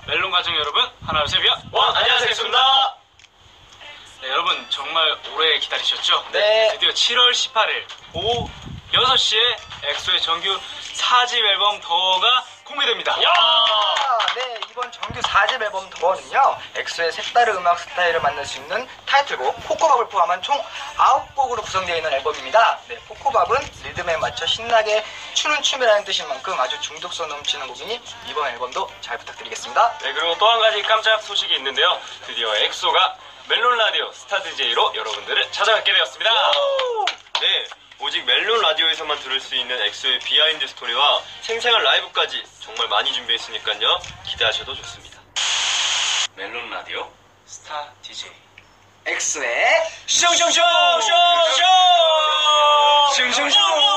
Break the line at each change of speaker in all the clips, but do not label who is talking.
멜론 가족 여러분, 하나, 둘, 셋,
안녕하세요, 엑소입니다.
네, 여러분 정말 오래 기다리셨죠?
네.
드디어 7월 18일 오후 6시에 엑소의 정규 4집 앨범 더가 공개됩니다.
네, 이번 정규 4집 앨범 더는요, 엑소의 색다른 음악 스타일을 만날 수 있는 타이틀곡 코코밥을 포함한 총 9곡으로 구성되어 있는 앨범입니다. 네, 코코밥은 리듬에 맞춰 신나게 추는 춤이라는 뜻인 만큼 아주 중독성 넘치는 곡이니 이번 앨범도 잘 부탁드리겠습니다.
네, 그리고 또 한 가지 깜짝 소식이 있는데요. 드디어 엑소가 멜론 라디오 스타 DJ로 여러분들을 찾아뵙게 되었습니다. 네, 오직 멜론 라디오에서만 들을 수 있는 엑소의 비하인드 스토리와 생생한 라이브까지 정말 많이 준비했으니까요. 기대하셔도 좋습니다. 멜론 라디오 스타 DJ
엑소의
쇼쇼쇼쇼쇼
슝슝슝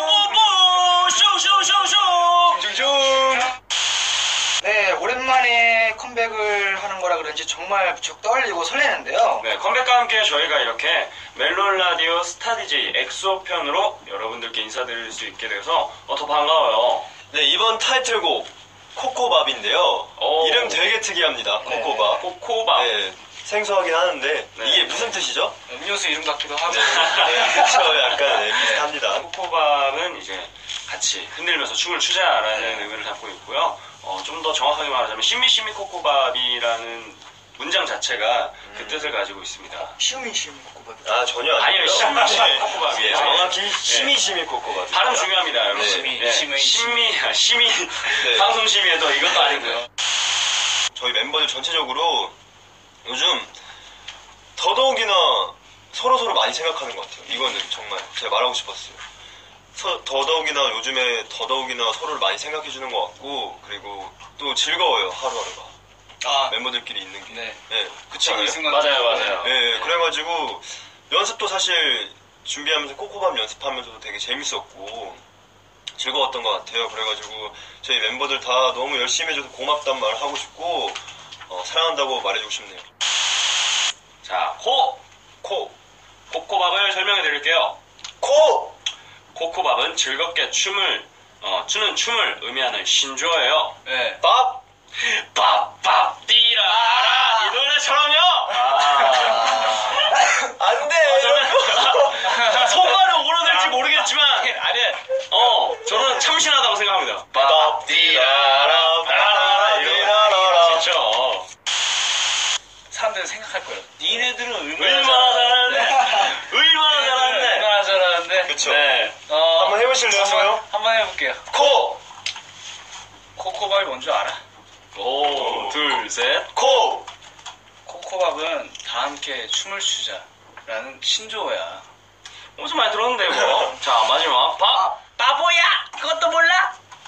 쇼쇼쇼쇼.
네, 오랜만에 컴백을 하는 거라 그런지 정말 무척 떨리고 설레는데요.
네, 컴백과 함께 저희가 이렇게 멜론 라디오 스타 DJ 엑소 편으로 여러분들께 인사드릴 수 있게 돼서 더 반가워요. 네, 이번 타이틀곡 코코밥인데요. 이름 되게 특이합니다. 코코밥. 코코밥. 네, 생소하긴 하는데 이게 무슨 뜻이죠?
음료수 이름 같기도 하고.
네, 그렇죠. 약간 비슷합니다. 코코밥은 이제 같이 흔들면서 춤을 추자라는 의미를 담고 있고요. 좀 더 정확하게 말하자면 시미시미 코코밥이라는 문장 자체가 그 뜻을 가지고 있습니다.
시우미시우미 코코밥.
아, 전혀 아니고요. 아니요, 시미시미 코코밥이에요. 정확히 시미시미 코코밥. 발음 중요합니다, 여러분. 시미. 방송 심의에도 이것도 아니고요. 저희 멤버들 전체적으로 요즘 더더욱이나 서로서로 많이 생각하는 것 같아요. 이거는 정말 제가 말하고 싶었어요. 더더욱이나 요즘에 더더욱이나 서로를 많이 생각해주는 것 같고, 그리고 또 즐거워요, 하루하루가. 멤버들끼리 있는 게. 네. 그치 않아요? 맞아요. 네, 그래가지고 연습도 사실 준비하면서 코코밥 연습하면서도 되게 재밌었고 즐거웠던 것 같아요. 그래가지고 저희 멤버들 다 너무 열심히 해줘서 고맙단 말을 하고 싶고 사랑한다고 말해주고 싶네요. 자, 코코밥을 설명해 드릴게요. 코코밥은 즐겁게 추는 춤을 의미하는 신조어예요. 네. 밥 띠라라 이 노래처럼요. 안 돼. 저는 손발은 오르될지 모르겠지만 저는 참신하다고 생각합니다. 밥 띠라라 그렇죠.
사람들은 생각할 거예요. 니네들은
얼마나 잘하는데. 그쵸. 네. 한번 해보실래요?
한번 해볼게요. 코코밥이 뭔 줄 알아?
오, 둘, 셋,
코코밥은 다 함께 춤을 추자라는 신조어야.
엄청 많이 들었는데 뭐. 자, 마지막
바보야! 그것도 몰라?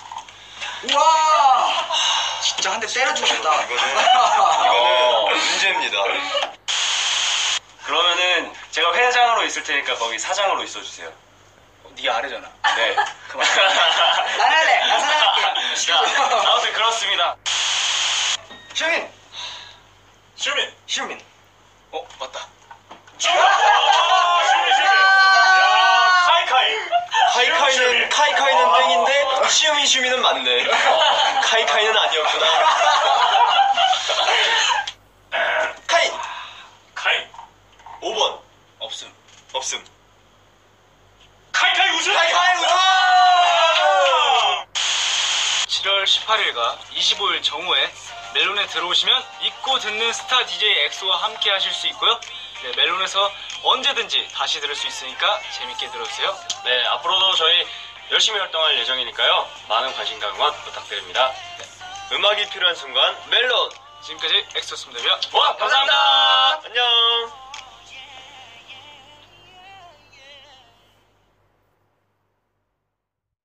우와! 진짜 한 대 때려주고 싶다.
이거는 문제입니다. 그러면은 제가 회장으로 있을 테니까 거기 사장으로 있어주세요.
네 아래잖아.
네.
그만.
난 할래! 난 사랑할게!
자, 아무튼 그렇습니다.
시우민!
맞다.
카이카이는 땡인데 시우미는 맞네. 카이카이는 아니었구나. 카이 5번 없음. 카이카이 우승.
7월 18일과 25일 정오에 멜론에 들어오시면 잊고 듣는 스타 DJ 엑소와 함께 하실 수 있고요. 네, 멜론에서 언제든지 다시 들을 수 있으니까 재밌게 들어주세요.
네, 앞으로도 저희 열심히 활동할 예정이니까요. 많은 관심과 응원 부탁드립니다. 음악이 필요한 순간 멜론.
지금까지 엑소였습니다.
감사합니다. 안녕.